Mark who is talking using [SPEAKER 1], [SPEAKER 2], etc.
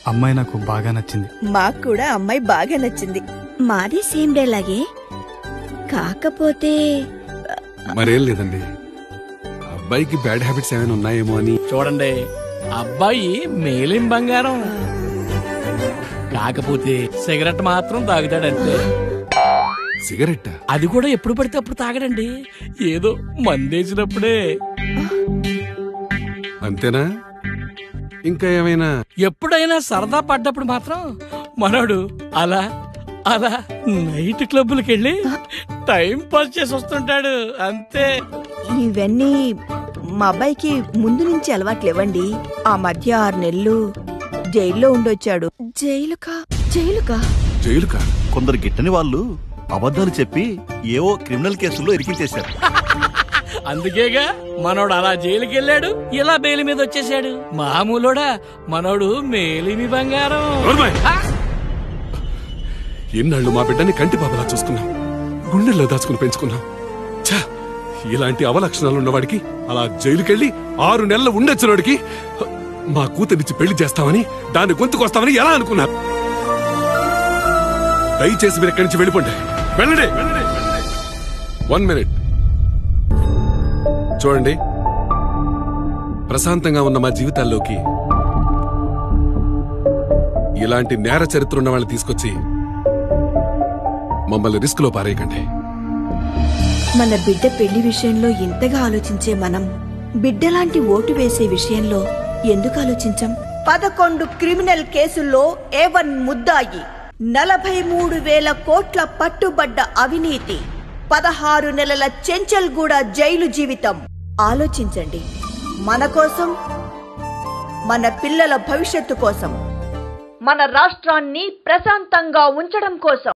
[SPEAKER 1] అమ్మాయి నాకు బాగా నచ్చింది.
[SPEAKER 2] మాకు కూడా అమ్మాయి బాగా నచ్చింది.
[SPEAKER 3] మాది సేమ్ డే లాగే, కాకపోతే
[SPEAKER 4] మరేం లేదండి, అబ్బాయికి బ్యాడ్ హ్యాబిట్స్ ఏమైనా ఉన్నాయేమో అని.
[SPEAKER 5] చూడండి, అబ్బాయి మేలిం బంగారం, కాకపోతే సిగరెట్ మాత్రం తాగుతాడంతే.
[SPEAKER 4] సిగరెట్?
[SPEAKER 5] అది కూడా ఎప్పుడు పడితే అప్పుడు తాగడండి, ఏదో మందేసినప్పుడే.
[SPEAKER 4] అంతేనా? ఇంకా ఏమైనా?
[SPEAKER 5] ఎప్పుడైనా సరదా పడ్డప్పుడు మాత్రం మనోడు అలా అలా నైట్ క్లబ్బులకెళ్ళి టైం పాస్ చేసి వస్తుంటాడు అంతే.
[SPEAKER 2] ఇవన్నీ మా అబ్బాయికి ముందు నుంచి అలవాట్లేవండి. ఆ మధ్య 6 నెలలు జైల్లో ఉండొచ్చాడు.
[SPEAKER 3] జైలుకా?
[SPEAKER 4] జైలుకా?
[SPEAKER 6] కొందరు గిట్టని వాళ్ళు అబద్ధాలు చెప్పి ఏవో క్రిమినల్ కేసుల్లో ఇరికించేశారు.
[SPEAKER 5] అందుకేగా మనోడు అలా జైలుకి వెళ్ళాడు, ఇలా బెయిల్ మీద వచ్చేసాడు. మామూలుడా మనోడు మేలిమి బంగారం.
[SPEAKER 4] ఎన్నాళ్ళు మా బిడ్డని కంటి పాపలా చూసుకున్నాం, గుండెల్లో దాచుకుని పెంచుకున్నాం. ఛా, ఇలాంటి అవలక్షణాలు ఉన్నవాడికి, అలా జైలుకెళ్ళి 6 నెలలు ఉండొచ్చినోడికి మా కూతురిచ్చి పెళ్లి చేస్తామని, దాన్ని గొంతుకొస్తామని ఎలా అనుకున్నారు? దయచేసి మీరు ఎక్కడి నుంచి వెళ్ళిపోండి. వెళ్ళండి. 1 మినిట్ చూడండి, ప్రశాంతంగా ఉన్న మా జీవితాల్లోకి ఇలాంటి నేర చరిత్ర ఉన్న వాళ్ళని తీసుకొచ్చి మమ్మల్ని రిస్క్ లో పారేయకండి.
[SPEAKER 2] మన బిడ్డ పెళ్లి విషయంలో ఇంతగా ఆలోచించే మనం బిడ్డలాంటి ఓటు వేసే విషయంలో ఎందుకు ఆలోచించం? 11 క్రిమినల్ కేసుల్లో A1 ముద్దాయి, 43,000 కోట్ల పట్టుబడ్డ అవినీతి, 16 నెలల చెంచల్గూడ జైలు జీవితం. ఆలోచించండి, మన కోసం, మన పిల్లల భవిష్యత్తు కోసం, మన రాష్ట్రాన్ని ప్రశాంతంగా ఉంచడం కోసం.